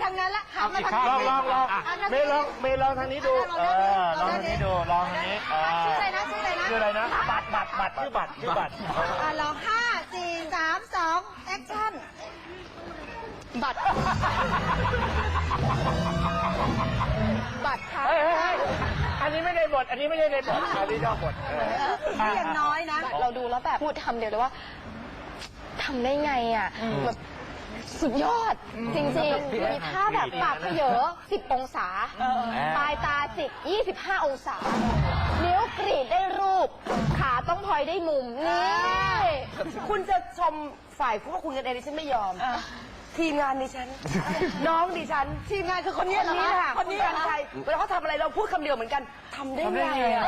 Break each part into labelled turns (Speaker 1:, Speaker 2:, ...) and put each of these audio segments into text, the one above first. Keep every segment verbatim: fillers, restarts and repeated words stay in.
Speaker 1: างนั้นละหันมาทาง
Speaker 2: ลอง
Speaker 1: นี้
Speaker 2: ลองลองเมย์ลองเมย์ลองทางนี้ดูเออลองทางนี้ดูลองทางนี้ชื่ออะไรนะชื่ออะไรนะชื่ออะไรนะบัตรบัตรบัตรชื่อบัตรชื่อบัตร
Speaker 1: อ่ะลองห้าสี่สามสองแอคชั่นบัตรบัตรค่ะ
Speaker 2: อันนี้ไม่ได้บทอันนี้ไม่ได้ในบทอันนี้นอกบท
Speaker 1: นี่ยังน้อยนะ
Speaker 3: เราดูแล้วแบบพูดคำเดียวเลยว่าทำได้ไงอ่ะแบบสุดยอดจริงๆมีท่าแบบปากเขยอสิบองศาปลายตาจิกยี่สิบห้าองศานิ้วกรีดได้รูปขาต้องพลอยได้มุมนี่
Speaker 4: คุณจะชมฝ่ายพวกคุณกันเองดิฉันไม่ยอมทีมงานดิฉันน้องดิฉันทีมงานคือคนนี้คนนี้ค่ะคนนี้กันใครเวลาเขาทำอะไรเราพูดคำเดียวเหมือนกันทำได้ไงอ่ะ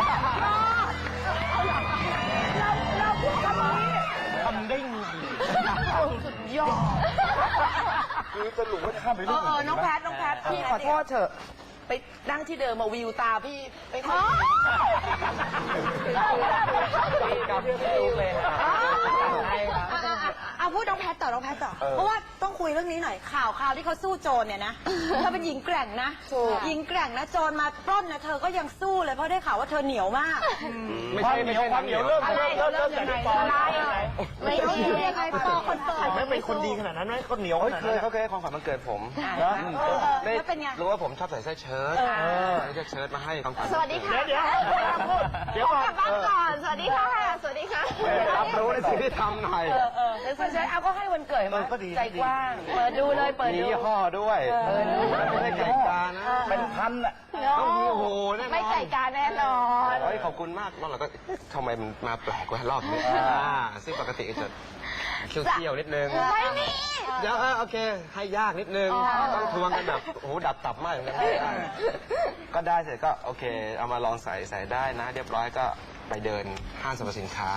Speaker 4: เราเราพูดคำนี้
Speaker 2: ทำได้ไง
Speaker 4: สุดยอด
Speaker 2: คือสรุปว่าข้ามไปเรื่องอื่น
Speaker 4: น้องแพทน้องแพทพี่ขอโทษเถอะไปนั่งที่เดิมมาวิวตาพี่ไปขอ
Speaker 2: กับพี่ลูกเลย
Speaker 1: เอาพูดน้องแพทต่อน้องแพทต่อเพราะว่าต้องคุยเรื่องนี้หน่อยข่าวข่าวที่เขาสู้โจรเนี่ยนะเธอเป็นหญิงแกร่งนะหญิงแกร่งนะโจรมาปล้นนะเธอก็ยังสู้เลยเพราะได้ข่าวว่าเธอเหนียวมาก
Speaker 2: ไม่ใช่ไม่ใช่ความเหนียวเริ่มเริ่มเริ่มเริ่มจากที่ปอ
Speaker 1: ไม่ใช่ใครปอคนเปิด
Speaker 2: ไม่เป็นคนดีขนาดนั้นไหมคนเหนียวเคยเขาเคยความฝันมันเกิดผม
Speaker 1: แล้วเป็นไง
Speaker 5: รู้ว่าผมชอบใส่เสื้อเชิ้ตเสื้อเชิ้ตมาให้ความฝัน
Speaker 3: สวัสดีค่ะ
Speaker 2: เดี๋ยวเดี๋ยวก่อน
Speaker 3: บ้านก่อนสวัสดีค่ะสวัสดีค่ะ
Speaker 5: รับรู้ในสิ่งที่ทำหน่อย
Speaker 4: เออเออเสื้อเชิ้ตเอาก็ให้วันเกิดมาใจกว้างเปิดดูเลยเปิดดู
Speaker 5: มียี่ห้อด้วยไม่ใช่ไก่กานะ
Speaker 2: เป็นพันอ่ะ
Speaker 5: ต้องมีโหแน่นอน
Speaker 3: ไม่ไก่กาแน่นอน
Speaker 5: เฮ้ยขอบคุณมากรอบเราก็ทำไมมันมาแปลกกว่ารอบนี้ซึ่งปกติจะเคี่ยวๆนิดนึง
Speaker 3: ไม่มี
Speaker 5: เดี๋ยวโอเคให้ยากนิดนึงต้องทวงกันแบบโอ้โหดับตับมากเหมือนกันก็ได้เสร็จก็โอเคเอามาลองใส่ใส่ได้นะเรียบร้อยก็ไปเดินห้างสรรพสินค้า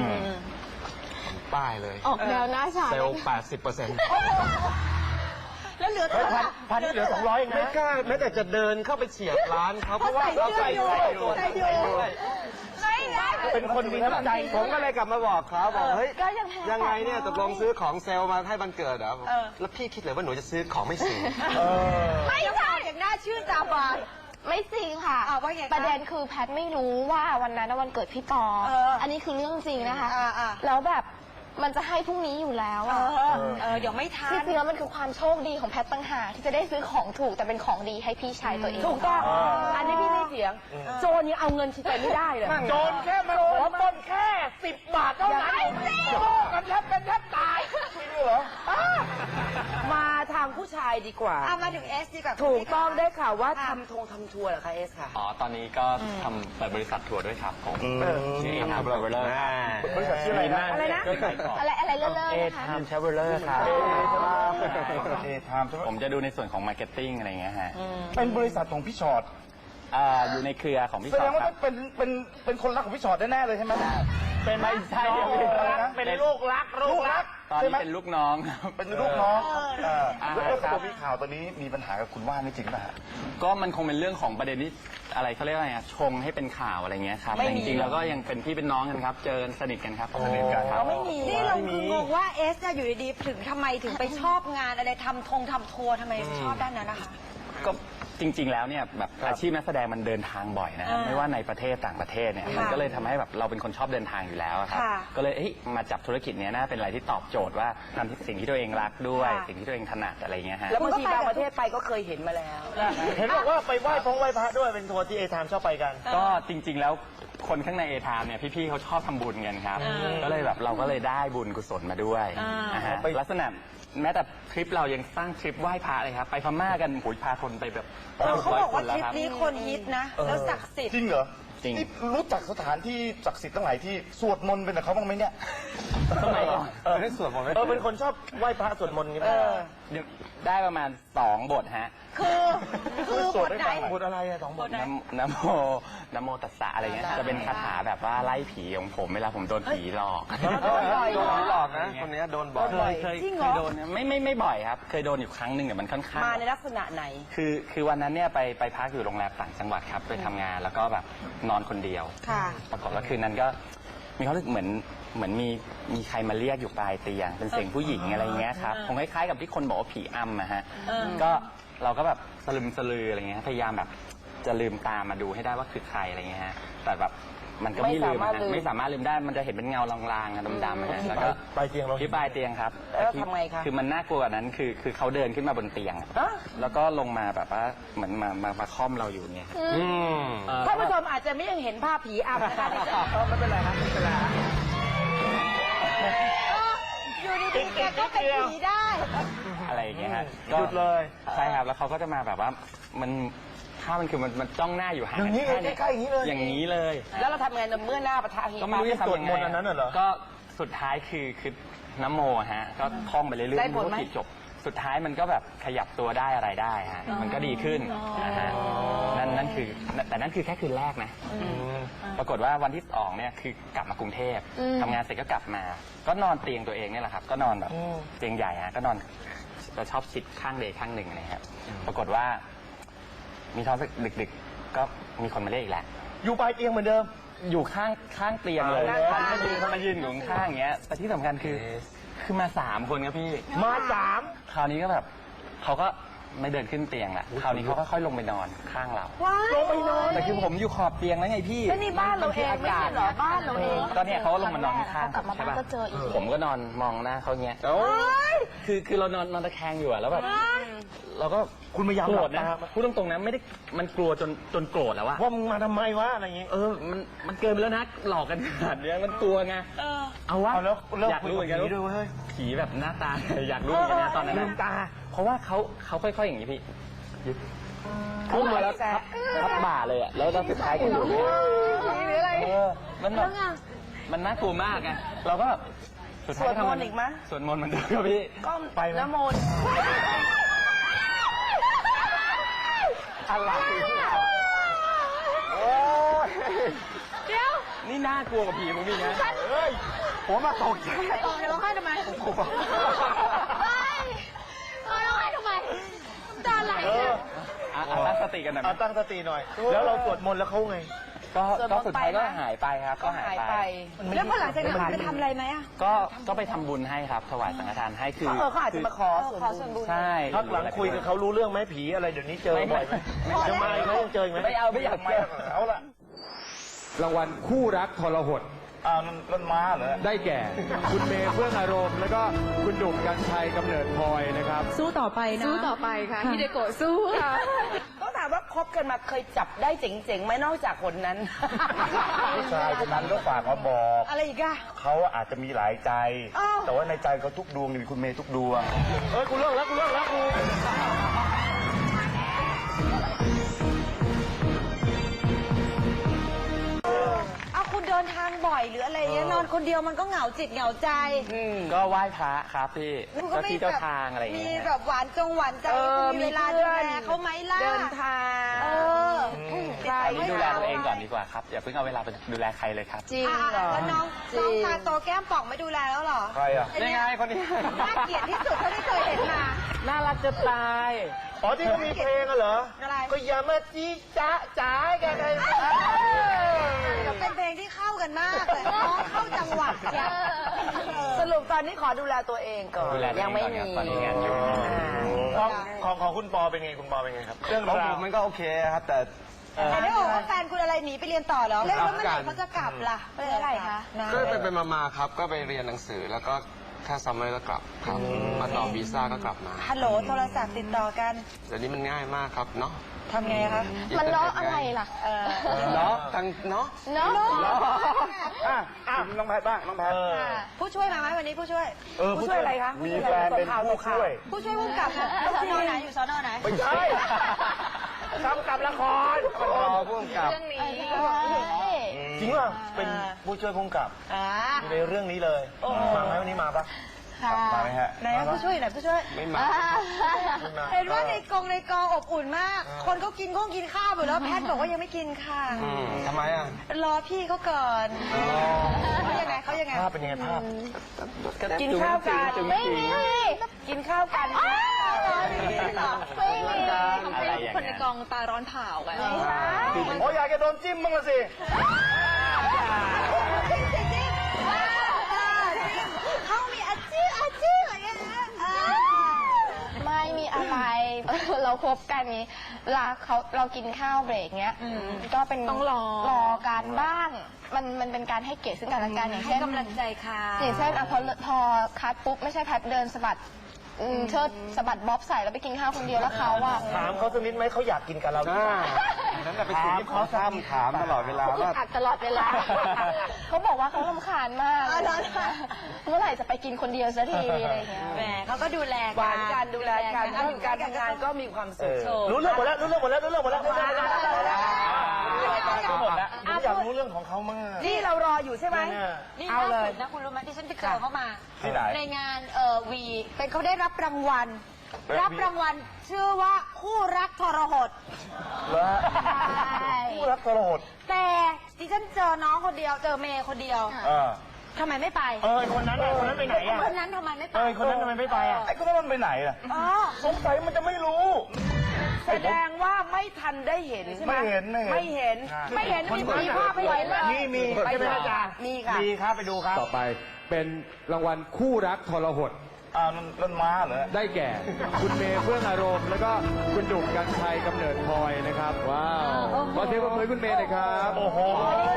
Speaker 5: ป้ายเลย
Speaker 3: ออกแนวหน้าฉาก
Speaker 5: เซลล์แปดสิบเปอร์เซ็นต์
Speaker 1: แล้วเหลือเท่าไหร่
Speaker 2: พันเหลือสองร้อยเองนะ
Speaker 5: ไม่กล้าแม้แต่จะเดินเข้าไปเฉียดร้านเขาเพราะว่าเราใส่อยู่
Speaker 1: ใส่อยู่
Speaker 2: เป็นคนมีน้ำใจ
Speaker 5: ผมก็เลยกลับมาบอกเขาบอกเฮ้ยยังไงเนี่ยตกลงซื้อของเซลล์มาให้บันเกิดเหรอแล้วพี่คิดเลยว่าหนูจะซื้อของไม่ซื้อ
Speaker 1: ไม่ใช่อย่างน่าชื่นตาบาน
Speaker 3: ไม่จริงค่ะประเด็นคือแพทไม่รู้ว่าวันนั้นวันเกิดพี่ปออันนี้คือเรื่องจริงนะคะแล้วแบบมันจะให้พรุ่งนี้อยู่แล้วอ่ะ
Speaker 1: เออเดี๋ยวไม่ทัน
Speaker 3: ที่จริงแล้วมันคือความโชคดีของแพทตั้งหากที่จะได้ซื้อของถูกแต่เป็นของดีให้พี่ชายตัวเอง
Speaker 4: ถูกต้องอันนี้พี่ไม่เถียงโจรยังเอาเงินชิไปไม่ได้เลย
Speaker 2: โจรแค่มาขอปล้นแค่สิบบาทเท่านั้นกันแทบกันแทบตายไม่รู้เหรอ
Speaker 4: มาทางผู้ชายดีกว่า
Speaker 1: เอามาถึงเอสดีกว่า
Speaker 4: ถูกต้องได้ข่าวว่าทำทงทำทัวร์เหรอคะเอสค่ะ
Speaker 6: อ๋อตอนนี้ก็ทำเปิดบริษัททัวร์ด้วยครับผมชื่อเอทามทราเวลเลอร์
Speaker 2: บริษัทชื่ออะไรนะ
Speaker 3: อะไรนะอะไรอะไรเลิศๆนะคะ
Speaker 6: เอทามทราเวลเลอร์ครับ
Speaker 2: เอทาม
Speaker 6: ผมจะดูในส่วนของมาร์เก็ตติ้งอะไรเงี้ยฮะ
Speaker 2: เป็นบริษัทของพี่ชอต
Speaker 6: อยู่ในเครือของพี่ชอต
Speaker 2: แสดงว่าเป็นเป็นเป็นคนรักของพี่ชอตแน่ๆเลยใช่ไหม
Speaker 6: เป็นไม่ใช่
Speaker 2: เป็นลูกรักลูกรัก
Speaker 6: ตอนนี้เป็นลูกน้องครับ
Speaker 2: เป็นลูกน้องแล้วตัวพี่ข่าวตอนนี้มีปัญหากับคุณว่านนี่จริงป่ะ
Speaker 6: ก็มันคงเป็นเรื่องของประเด็นที่อะไรเขาเรียกอะไรชงให้เป็นข่าวอะไรเงี้ยครับแต่จริงๆแล้วก็ยังเป็นพี่เป็นน้องกันครับเจอสนิทกันครับสนิทกันครับ
Speaker 1: ไม่มีนี่เราคืองงว่าเอสจะอยู่ดีๆถึงทำไมถึงไปชอบงานอะไรทำทงทำทัวร์ทำไมชอบด้านนั้นนะคะ
Speaker 6: ก็จริงๆแล้วเนี่ยแบบอาชีพนักแสดงมันเดินทางบ่อยนะไม่ว่าในประเทศต่างประเทศเนี่ยมันก็เลยทำให้แบบเราเป็นคนชอบเดินทางอยู่แล้วครับก็เลยมาจับธุรกิจนี้น่าเป็นอะไรที่ตอบโจทย์ว่าทำสิ่งที่ตัวเองรักด้วยสิ่งที่ตัวเองถนัดอะไรเงี้ยฮะ
Speaker 4: แล้วบางทีบางประเทศไปก็เคยเห็นมาแล้ว
Speaker 2: เห็นบอกว่าไปไหว้พระไหว้พระด้วยเป็นทัวร์ที่เอทามชอบไปกัน
Speaker 6: ก็จริงๆแล้วคนข้างในเอทามเนี่ยพี่ๆเขาชอบทำบุญกันครับก็เลยแบบเราก็เลยได้บุญกุศลมาด้วยนะฮะลักษณะแม้แต่ทริปเรายังสร้างทริปไหว้พระเลยครับไปพม่ากันโหยพาคนไปแบบ
Speaker 1: เขาบอกว่าทริปนี้คนฮิตนะแล้วศักดิ์สิทธิ์
Speaker 2: จริงเหรอ
Speaker 6: จริง
Speaker 2: นี่รู้จักสถานที่ศักดิ์สิทธิ์ตั้งหลายที่สวดมนต์เป็นกับเขาบ้างไหมเนี่ย
Speaker 6: สมัยก่อน
Speaker 2: เออได้สวดมนต์ไหมเออเป็นคนชอบไหว้พระสวดมนต์กัน
Speaker 6: ได้ประมาณสองบทฮะ
Speaker 1: คือคือ
Speaker 2: สวดได้สองบทอะไรอะสองบท
Speaker 6: น้ำโมน้ำโมตัสสะอะไรเงี้ยจะเป็นคาถาแบบว่าไล่ผีของผมเวลาผมโดนผีหลอก
Speaker 5: โดนหลอกนะคนนี้โดนบ่อย
Speaker 6: เคยเคยเคยโดนไม่ไม่ไม่บ่อยครับเคยโดนอยู่ครั้งหนึ่งแต่มันค่อนข้าง
Speaker 4: มาในลักษณะไหน
Speaker 6: คือคือวันนั้นเนี่ยไปไปพักอยู่โรงแรมต่างจังหวัดครับไปทำงานแล้วก็แบบนอนคนเดียวปรากฏว่าคืนนั้นก็มีความรู้สึกเหมือนเหมือนมีมีใครมาเรียกอยู่ปลายเตียงเป็นเสียงผู้หญิงอะไรเงี้ยครับคงคล้ายๆกับที่คนบอกว่าผีอำอะฮะก็เราก็แบบสลึมสลืออะไรเงี้ยพยายามแบบจะลืมตามมาดูให้ได้ว่าคือใครอะไรเงี้ยฮะแต่แบบมันก็ไม่ลืมนะไม่สามารถลืมได้มันจะเห็นเป็นเงาลางๆดำๆนะแล้วก็
Speaker 2: ปลายเตียงเรา
Speaker 6: ที่ปลายเตียงครับ
Speaker 4: แล้วทำไงคะ
Speaker 6: คือมันน่ากลัวกว่านั้นคือคือเขาเดินขึ้นมาบนเตียงแล้วก็ลงมาแบบว่าเหมือนมามามาค่อมเราอยู่เนี่ย
Speaker 2: อืม
Speaker 4: ท่านผู้ชมอาจจะไม่ยังเห็นภาพผีอำนะคะ
Speaker 2: ไม่เป็นไรครับไม่เป็นไร
Speaker 1: อยู่ดีๆแกก็เป็นผีได้
Speaker 6: อะไรอย่างเงี้ยฮะ
Speaker 2: หยุดเลย
Speaker 6: ใช่ครับแล้วเขาก็จะมาแบบว่ามันถ้ามันคือมันมันจ้องหน้าอยู่ห่าง
Speaker 2: อย่างนี้เลยใกล้ๆอย่างนี้เลย
Speaker 6: อย่างนี้เลย
Speaker 4: แล้วเราทำไงเมื่อหน้าปะทะผี
Speaker 6: ก็ไม่รู้จะทำยังไง
Speaker 2: สวดมนต์อันนั้นเหรอ
Speaker 6: ก็สุดท้ายคือคือน้ำโมฮะก็ท่องไปเรื่อยๆ
Speaker 4: ได้ผลไหม
Speaker 6: รู้ว่าผิดจบสุดท้ายมันก็แบบขยับตัวได้อะไรได้ฮะมันก็ดีขึ้นนะฮะนั่นนั่นคือแต่นั่นคือแค่คืนแรกนะปรากฏว่าวันที่สองเนี่ยคือกลับมากรุงเทพทำงานเสร็จก็กลับมา ก็นอนเตียงตัวเองเนี่ยแหละครับก็นอนแบบเตียงใหญ่ฮะก็นอนจะชอบชิดข้างเดย์ข้างหนึ่งนะครับปรากฏว่ามีท้องสักดึกๆก็มีคนมาเรียกอีกแล้ว
Speaker 2: อยู่ปลายเตียงเหมือนเดิม
Speaker 6: อยู่ข้างข้างเตียงเลย
Speaker 2: อ่า
Speaker 6: เขามายืนเขามายืนอยู่ข้างๆอย่างเงี้ยแต่ที่สำคัญคือคือมาสามคนครับพี่
Speaker 2: มาสาม
Speaker 6: คราวนี้ก็แบบเขาก็ไม่เดินขึ้นเตียงละคราวนี้เขาก็ค่อยลงไปนอนข้างเรา
Speaker 2: ลงไปนอน
Speaker 6: แต่คือผมอยู่ขอบเตียงแล้วไงพี่
Speaker 4: แล้วนี่บ้านเราเองไม่ใช่เหรอบ้านเราเอง
Speaker 6: ก็เนี่ยเขาก็ลงมานอนข้างๆ
Speaker 3: กลับมา
Speaker 6: ใช่
Speaker 3: บ้าน
Speaker 6: ป่ะ
Speaker 3: ก็เจออีก
Speaker 6: ผมก็นอนมองหน้าเขาเงี้ยคือคือเรานอนนอนตะแคงอยู่อะแล้วแบบเราก็
Speaker 2: คุณพยายาม
Speaker 6: โกร
Speaker 2: หลั
Speaker 6: ธ
Speaker 2: บ
Speaker 6: นะ
Speaker 2: ตา
Speaker 6: พูดตรงๆนะไม่ได้มันกลัวจนจนโกรธแล้วอะ
Speaker 2: ว่ามึงมาทำไมวะอะไรอย่างงี้
Speaker 6: เออ มัน มันเกินไปแล้วนะ หลอกกันขนาดเนี้ยมันกลัวไง เอาวะ
Speaker 2: เอาแล้วเลิก
Speaker 6: อยากรู้เหมือนกัน
Speaker 2: คุยกับผีด้วยเว้ย
Speaker 6: ผีแบบหน้าตา อยากรู้เหมือนกันนะตอนนั้น
Speaker 2: ลื
Speaker 6: นะ
Speaker 2: มตา
Speaker 6: เพราะว่าเขาเขาค่อยๆอย่างนี้พี่พุ่งมาแล้วทับทับบ่าเลยอ่ะ แล้วเราสุดท้ายก็อยู่เนี่ยเออ มันแบบมันน่ากลัวมากไง เราก็แบบสุดท้ายทำมันอีกมั้ยสวดมนต์เหมันเดิมครับพี่
Speaker 4: ก็ไปน้ำมนต์
Speaker 2: อะไรโอ้ย
Speaker 6: นี่น่ากลัวกับผีมึงพี่นะ
Speaker 2: เฮ้ยผมมาตกใจ
Speaker 3: ตอนร้องไห้ทำไมไม่ร้องไห้ทำไมน้ำตาไหล
Speaker 2: เออ
Speaker 6: อ่ะอ่ะตั้งสติกันหน่อยไหม
Speaker 2: เอาตั้งสติหน่อย แล้วเราสวดมนต์แล้วเขาไง
Speaker 6: ก็ก็สุดท้ายก็หายไปครับ ก็หายไป
Speaker 1: แล้วพอหลังจากนั้นไปทำอะไรไหมอ่ะ
Speaker 6: ก็ก็ไปทำบุญให้ครับ ถวายสังฆทานให้คือ
Speaker 4: เออเขาอาจจะมาขอส่วนบุญ
Speaker 6: ใช่
Speaker 2: พักหลังคุยกับเขารู้เรื่องไหมผีอะไรเดี๋ยวนี้เจอบ่อยไหมยังมาอีกไหมยังเจออีกไหม
Speaker 6: ไม่เอาไม่อยาก
Speaker 2: ไม่
Speaker 6: เจอ
Speaker 2: เอาละ
Speaker 7: รางวัลคู่รักทรหด
Speaker 2: อ้าวนั่นนั่นม้าเหรอ
Speaker 7: ได้แก่ คุณเมย์เฟื่องอารมณ์ แล้วก็คุณดุ่มกัญชัยกำเนิดพลอยนะครับ
Speaker 1: สู้ต่อไปนะ
Speaker 3: สู้ต่อไปค่ะฮิเดโกะสู้ค่ะ
Speaker 4: ต้องถามว่าคบกันมาเคยจับได้เจ๋งๆไหมนอกจากคนนั้น
Speaker 2: ผู้ชายคนนั้นก็ฝากมาบอก
Speaker 1: อะไรอีกอะ
Speaker 2: เขาอาจจะมีหลายใจ
Speaker 1: อ้าว
Speaker 2: แต่ว่าในใจเขาทุกดวงมีคุณเมย์ทุกดวง เฮ้ยกูเลิกแล้วกูเลิกแล้วกู
Speaker 1: เอาคุณเดินทางบ่อยหรืออะไรเงี้ยนอนคนเดียวมันก็เหงาจิตเหงาใจ
Speaker 6: ก็ไหว้พระครับพี่
Speaker 1: คุณ
Speaker 6: เจ้าที่เจ้าทางอะไรอย่าง
Speaker 1: มี
Speaker 6: เงี้ย
Speaker 1: แบบหวานจงหวานใจ
Speaker 4: เออ
Speaker 1: คุณมีเวลาดูแลเขาไหมล่ะ
Speaker 4: เดินทาง
Speaker 1: เออ
Speaker 4: ใคร
Speaker 6: ตอนนี้ดูแลตัวเองก่อนดีกว่าครับ อย่าเพิ่งเอาเวลาไปดูแลใครเลยครับ
Speaker 4: จริง
Speaker 1: อ่ะ
Speaker 4: เหรอ
Speaker 1: แล้วน้อง
Speaker 4: จริ
Speaker 1: น้อง
Speaker 4: ง
Speaker 1: ตาโตแก้มป่องไม่ดูแลแล้วเหรอ
Speaker 2: ใครอ่ะ
Speaker 1: อ้
Speaker 6: ยังไงคนนี้
Speaker 1: น่าเกลียดที่สุดเท่าที่เคยเห็นมา
Speaker 6: น่ารักจะตาย
Speaker 2: อ๋อที่เขามีเพลงอะเหรอ
Speaker 1: อะไร
Speaker 2: ก็อย่ามาจี้จ๊ะจ๋ากันเลย
Speaker 1: เป็นเพลงที่เข้ากันมากเลยน้องเข้าจังหวะเชียว
Speaker 4: สรุปตอนนี้ขอดูแลตัวเองก่อน
Speaker 6: ดูแลตัวเอง
Speaker 4: ยังไม่
Speaker 6: ก่อน
Speaker 4: มี
Speaker 6: ครับตอนนี้งานยุ่ง
Speaker 2: ของของของคุณปอเป็นไงคุณปอเป็นไงครับ เรื่อง
Speaker 5: ของ
Speaker 2: รา
Speaker 5: ผ
Speaker 2: ว
Speaker 5: มมันก็โอเคครับ แต่
Speaker 1: แต่ได้บอกว่าแฟนคุณอะไรหนีไปเรียนต่อเหรอแล้วแล้วเมื่อไหร่เขาจะกลับล่ะ
Speaker 3: เป็นอะไรคะ
Speaker 1: นาน
Speaker 5: ก็ไปไปมาๆครับ ก็ไปเรียนหนังสือแล้วก็แค่ซัมเมอร์ก็กลับครับมาต่อวีซ่าก็กลับมา
Speaker 1: ฮัลโหลโทรศัพท์ติดต่อกัน
Speaker 5: เดี๋ยวนี้มันง่ายมากครับเนาะ
Speaker 1: ทำไงคะ
Speaker 3: มันเนาะอะไรล่ะ
Speaker 1: เออ
Speaker 5: เนาะทั้งเนาะ
Speaker 3: เนาะ
Speaker 2: อ่ะอ่ะน้องแพทบ้างน้องแพท
Speaker 1: ผู้ช่วยมาไหมวันนี้ผู้ช่วย
Speaker 2: เออ
Speaker 4: ผู้ช่วยอะไรคะ
Speaker 2: มีแฟนเป็นผู้ช่วย
Speaker 1: ผู้ช่วยผู้กำกับอยู่สอนอไหนอยู่สอนอไหน
Speaker 2: ไม่ใช่กำกับละคร
Speaker 5: รอพ่วงกับ
Speaker 3: เรื่องนี้
Speaker 2: จริงป่ะเป็นผู้ช่วยผู้กำกับ
Speaker 1: อ่า
Speaker 2: อยู่ในเรื่องนี้เลยมาไหมวันนี้มาปะ
Speaker 1: ค่ะ
Speaker 2: มาไหมฮะ
Speaker 1: ไหนผู้ช่วยไหนผู้ช่วย
Speaker 5: ไม่มา
Speaker 2: ไม่มา
Speaker 1: เห็นว่าในกองในกองอบอุ่นมาก คนเขากินข้องกินข้าวหมดแล้วแพทย์บอกว่ายังไม่กินค่ะ
Speaker 5: อืมทำไมอ่ะ
Speaker 1: รอพี่เขาก่อนเขายังไงเขายังไง
Speaker 2: ภาพเป็นยังไงภาพ
Speaker 4: กินข้าวกัน
Speaker 3: ไม่มี
Speaker 4: กินข้าวกัน
Speaker 3: ไม่มีของ
Speaker 6: อะไร
Speaker 3: เป็น
Speaker 6: อย่าง
Speaker 3: คนใน
Speaker 6: เงี้ย
Speaker 3: กองตาร้อนเผาไง
Speaker 2: โอ้ยอยากจะโดนจิ้มบ้างละสิ
Speaker 1: จริงจริงจริง
Speaker 3: เราคบกันนี้เวลาเขาเรากินข้าวเบรกเงี้ยก็เป็นต้องรอรอการบ้างมันมันเป็นการให้เกียรติซึ่งกันและกันอย่าง
Speaker 1: ให้
Speaker 3: เช่น
Speaker 1: กำลังใจค่ะ
Speaker 3: อย่างเช่นอ่ะพอพอคัดปุ๊บไม่ใช่แพทเดินสะบัดอืมเชิดสะบัดบ๊อบใส่แล้วไปกินข้าวคนเดียวแล้วเขาอะ
Speaker 2: ถามเขาสักนิดไหมเขาอยากกินกับเราหรือเปล่า
Speaker 5: นั่นแหละเป็นสิ่งที่เขาซ้ำถามตลอดเวลา
Speaker 3: เขาอึด
Speaker 5: ว่า
Speaker 3: อัดตลอดเวลา เขาบอกว่าเขารำคาญมากเมื่อไหร่จะไปกินคนเดียวสักทีอะไรอย่างเงี้ย
Speaker 1: แหมเขาก็ดูแล
Speaker 4: หวานกันดูแลกันถ้าอยู่การทำงานก็มีความสุข
Speaker 2: รู้เรื่องหมดแล้วรู้เรื่องหมดแล้วรู้เรื่องหมดแล้วรู้เรื่องหมดแล้วรู้เรื่องหมดแล้วผมอยากรู้เรื่องของเขามาก
Speaker 4: นี่เรารออยู่ใช่ไหม
Speaker 1: นี่
Speaker 4: เอา
Speaker 1: ล่า
Speaker 4: เลย
Speaker 1: สุดนะคุณรู้ไหมที่ฉันไปเจอเขามา
Speaker 2: ที่ไหน
Speaker 1: ในงานเอ่อวีเป็นเขาได้รับรางวัล รับรางวัลชื่อว่าคู่รักทรหด
Speaker 2: แล้ว
Speaker 1: ใช่
Speaker 2: ผู้รักทรหด
Speaker 1: แต่ดิฉันเจอน้องคนเดียวเจอเมย์คนเดียว
Speaker 2: เออ
Speaker 1: ทำไมไม่ไป
Speaker 2: เออคนนั้นคนนั้นไปไหนอ่ะ
Speaker 1: คนนั้นทำไมไม่ไป
Speaker 2: เออคนนั้นทำไมไม่ไปอ่ะไอ้คนนั้นมันไปไหนอ่ะ
Speaker 1: อ๋อ
Speaker 2: สงสัยมันจะไม่รู้
Speaker 4: แสดงว่าไม่ทันได้เห็นใช่ไหม
Speaker 2: ไม่เห็น
Speaker 4: ไม่เห็น ไม่เห็นมีมีภาพไม่เห็นเลย
Speaker 2: มีมี
Speaker 4: ไป
Speaker 2: ใช่ไหม
Speaker 4: ดู
Speaker 2: อาจารย์
Speaker 4: มีค่ะ
Speaker 2: มีครับไปดูครับ
Speaker 7: ต่อไปเป็นรางวัลคู่รักทรหด
Speaker 2: อ่านั่นนั่นม้าเหรอ
Speaker 7: ได้แก่ คุณเมย์เฟื่องอารมณ์ แล้วก็คุณดุ่มกัญชัยกำเนิดพลอยนะครับ ว้าวขอเสียงปรบมือให้คุณเมย์หน่อยครับ
Speaker 2: โอ้โห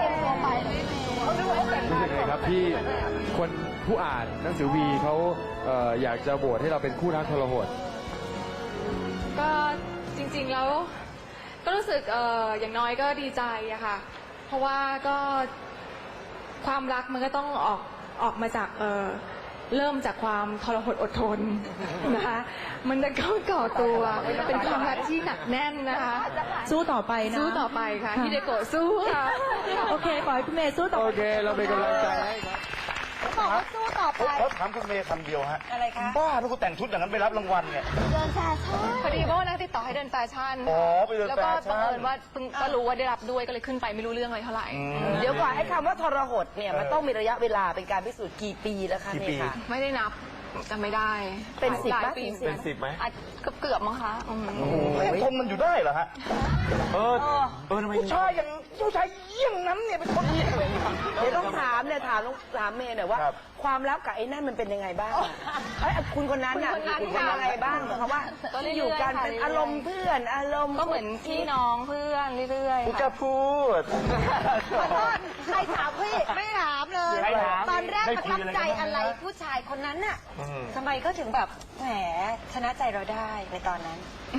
Speaker 7: รู้สึกไงครับที่คนผู้อ่านหนังสือวีเขาเอ่ออยากจะโหวตให้เราเป็นคู่รักทรหด
Speaker 8: ก็จริงๆแล้วก็รู้สึกเอออย่างน้อยก็ดีใจอะค่ะ เพราะว่าก็ความรักมันก็ต้องออกออกมาจากเออเริ่มจากความทรหดอดทนนะคะมันจะก็ก่อตัวเป็นความรักที่หนักแน่นนะคะ
Speaker 1: สู้ต่อไปนะ
Speaker 8: สู้ต่อไปค่ะที่เดโกะสู้ค่ะ
Speaker 1: โอเคขอให้คุณเมย์สู้ต่อ
Speaker 7: โอ
Speaker 1: ไป
Speaker 7: เค เราเป็นกำลังใจให้ครับ
Speaker 1: บอกว่าสู้ต่อไป
Speaker 2: เขาถามคุณเมย์คำเดียวฮะ
Speaker 1: อะไรคะ
Speaker 2: บ้าถ้าคุณแต่งชุดอย่างนั้นไปรับรางวัลเนี่ย
Speaker 3: เดินแฟชั่น
Speaker 8: พอดีว่าวันนั้นติดต่อให้เดินแฟชั่น
Speaker 2: อ๋อไปเดิน
Speaker 8: แล้ว
Speaker 2: แฟ
Speaker 8: ก็
Speaker 2: ชั่น
Speaker 8: บังเอิญว่าเพิ่งก็รู้ว่าได้รับด้วยก็เลยขึ้นไปไม่รู้เรื่องอะไรเท่าไหร่
Speaker 4: เดี๋ยวก่อนให้คำว่าทรหดเนี่ยมันต้องมีระยะเวลาเป็นการพิสูจน์กี่ปีแล้วคะ
Speaker 2: กี่
Speaker 4: เนี่
Speaker 2: ปี
Speaker 4: ยค่ะ
Speaker 8: ไม่ได้นับจำไม่ได้
Speaker 4: เป็นสิบ
Speaker 8: หลาย
Speaker 4: ไหม
Speaker 8: ปี
Speaker 4: เป็นสิบไหม
Speaker 8: อาจเกือบเกือบๆมั้งคะอืม
Speaker 2: เขายังทนมันอยู่ได้เหรอฮะ เออ เออทำไมผู้ชายอย่างผู้ชายเยี่ยงนั้นเนี่ยเป็นคนเยี่ยงเลย
Speaker 4: เดี๋ยวต้องถามเนี่ยถามต้องถามเมย์หน่อยว่า
Speaker 2: ครับ
Speaker 4: ความรักกับไอ้นั่นมันเป็นยังไงบ้างอะเอ้ยคุณคนนั้นน่ะ
Speaker 8: คุณคนนั้น
Speaker 4: คุณเป็นยังไงบ้างเหมือนกับว่า
Speaker 8: ก็เรื่อยๆ
Speaker 4: อยู่กัน
Speaker 8: ค่ะ
Speaker 4: เป็น
Speaker 8: เรื่อยๆ
Speaker 4: อารมณ์เพื่อนอารมณ์
Speaker 8: ก็เหมือนพี่น้องเพื่อนเรื่อยๆ
Speaker 2: กู
Speaker 8: ค่ะ
Speaker 2: จะพูด
Speaker 1: ขอโทษใครถามพี่ไม่ถามเลย
Speaker 2: ใครถาม
Speaker 1: ตอนแรก
Speaker 2: ได้
Speaker 1: ประ
Speaker 2: คุย
Speaker 1: ทับ
Speaker 2: อะไรกัน
Speaker 1: ใจ
Speaker 2: บ้าง
Speaker 1: อะไร
Speaker 2: นะ
Speaker 1: ผู้ชายคนนั้นน่ะ
Speaker 2: อืม
Speaker 1: ทำไมก็ถึงแบบแหมชนะใจเราได้ในตอนนั้น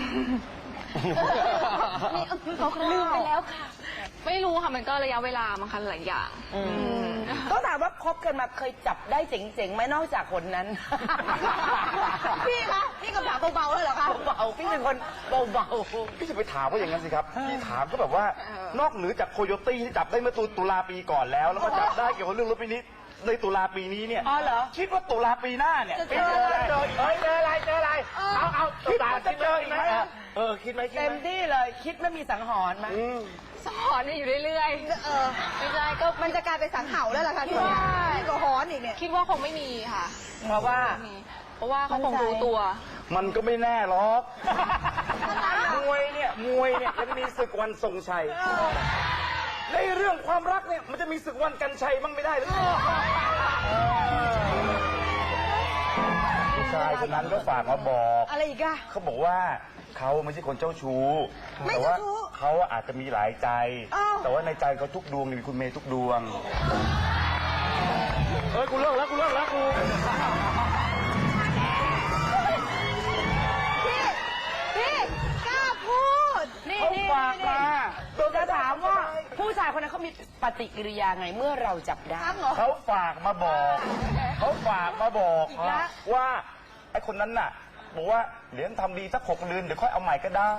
Speaker 1: นี่เขาลืมไปแล้วค่ะ
Speaker 8: ไม่รู้ค่ะมันก็ระยะเวลามันคันหลายอย่าง
Speaker 4: ต้องถามว่าคบกันมาเคยจับได้เจ๋งๆไหมนอกจากคนนั้น
Speaker 1: พี่คะนี่คำถามเบาๆเลยเหรอคะ
Speaker 4: เบาๆพี่เป็นคนเบา
Speaker 2: พี่จะไปถามว่าอย่างนั้นสิครับ พี่ถามก็แบบว่า นอกเหนือจากโคโยตี้ที่จับได้เมื่อตุตุลาปีก่อนแล้ว แล้วก็จับได้เกี่ยวกับเรื่องรถปีนี้ในตุลาปีนี้เนี่ย
Speaker 4: ๆอ๋อเหรอ
Speaker 2: คิดว่าตุลาปีหน้าเนี่ย
Speaker 1: จะเจออะไร
Speaker 2: เจออีกไหมเจออะไรเจออะไร เอาเอาคิดว่าจะเจออีกไหมเออคิดไหมคิด
Speaker 4: เต็
Speaker 2: ไห
Speaker 4: ม
Speaker 2: ม
Speaker 4: ที่เลยคิดไม่มีสังหรณ์ไหม
Speaker 2: อืม
Speaker 8: สอนเนี่ยอยู่เรื่อย
Speaker 1: เออไม่ใช่ก็มันจะกลายเป็นสังเห่าแล้วล่ะค่ะพี่ว่านี่ก็ฮอนอีกเนี่ย
Speaker 8: ๆคิดว่าคงไม่มีค่ะ
Speaker 4: เพราะว่า
Speaker 8: ไม่มีเพราะว่าเขาคงรู้ตัว
Speaker 2: มันก็ไม่แน่หรอกมวยเนี่ยมวยเนี่ยมันมีศึกวันทรงชัยในเรื่องความรักเนี่ยมันจะมีศึกวันกันชัยบ้างไม่ได้หรือผู้ชายคนนั้นก็ฝากมาบอก
Speaker 1: อะไรอีกอะ
Speaker 2: เขาบอกว่าเขาไม่ใช่คนเจ้าชู้
Speaker 1: ไม่
Speaker 2: แต่
Speaker 1: เจ้า
Speaker 2: ว่า
Speaker 1: ชู้
Speaker 2: เขาอาจจะมีหลายใจ
Speaker 1: อ้าว
Speaker 2: แต่ว่าในใจเขาทุกดวงเนี่ยมีคุณเมย์ทุกดวง เอ้ยกูเลิกแล้วกูเลิกแล้วกู
Speaker 1: พี่พี่กล้าพูดนี่
Speaker 2: เขา
Speaker 1: นี่
Speaker 2: ฝากมา
Speaker 4: จะถามว่าผู้ชายคนนั้นเขามีปฏิกิริยาไงเมื่อเราจับได้
Speaker 1: ทั้งเหรอ
Speaker 2: เขาฝากมาบอก เขาฝากมาบอก
Speaker 1: อีกแล้ว
Speaker 2: ว่าไอ้คนนั้นน่ะ บอกว่าเดี๋ยวทำดีสักหกเดือนเดี๋ยวค่อยเอาใหม่ก็ได้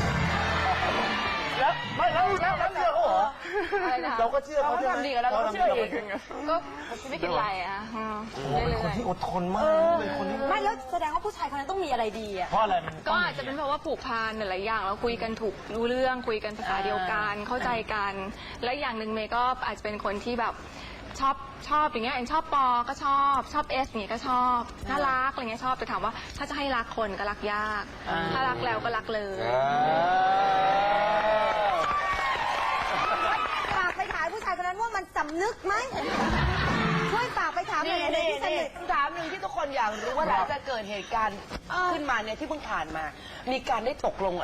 Speaker 2: แล้วไม่แล้วแล้วแล้วเชื่อเขาเหรอ
Speaker 8: อะไรนะคะ
Speaker 2: เราก็เชื่อเขา
Speaker 4: เขา
Speaker 2: ใช่ไหม
Speaker 4: ทำดีกับเราเราก็เชื่ออีก
Speaker 8: ก็ไม่คิดอะไรอ่ะอืม
Speaker 2: โอ้เป็นคนที่อดทนมากเป็นคนที่
Speaker 1: ไม่แล้วแสดงว่าผู้ชายคนนั้นต้องมีอะไรดีอะ
Speaker 2: เพราะอะไรมัน
Speaker 8: ก็อาจจะเป็นเพราะว่าผูกพันหลายๆอย่างแล้วคุยกันถูกรู้เรื่องคุยกันภาษาเดียวกันเข้าใจกัน และอย่างหนึ่งเมย์ก็อาจจะเป็นคนที่แบบชอบชอบอย่างเงี้ยเอ็นชอบปอก็ชอบชอบเอสอย่างเงี้ยก็ชอบน่ารักอะไรเงี้ยชอบแต่ถามว่าถ้าจะให้รักคนก็รักยาก ถ้ารักแล้วก็รักเลย
Speaker 1: ฝากไปถามผู้ชายคนนั้นว่ามันสำนึกไหมช่วยฝากไปถามามหน่อยเลยที่สนิท
Speaker 4: คำถามหนึ่งที่ทุกคนอยากรู้ว่าหลังจากเกิดเหตุการณ์ขึ้นมาเนี่ยที่เพิ่งผ่านมา มีการได้ตกลง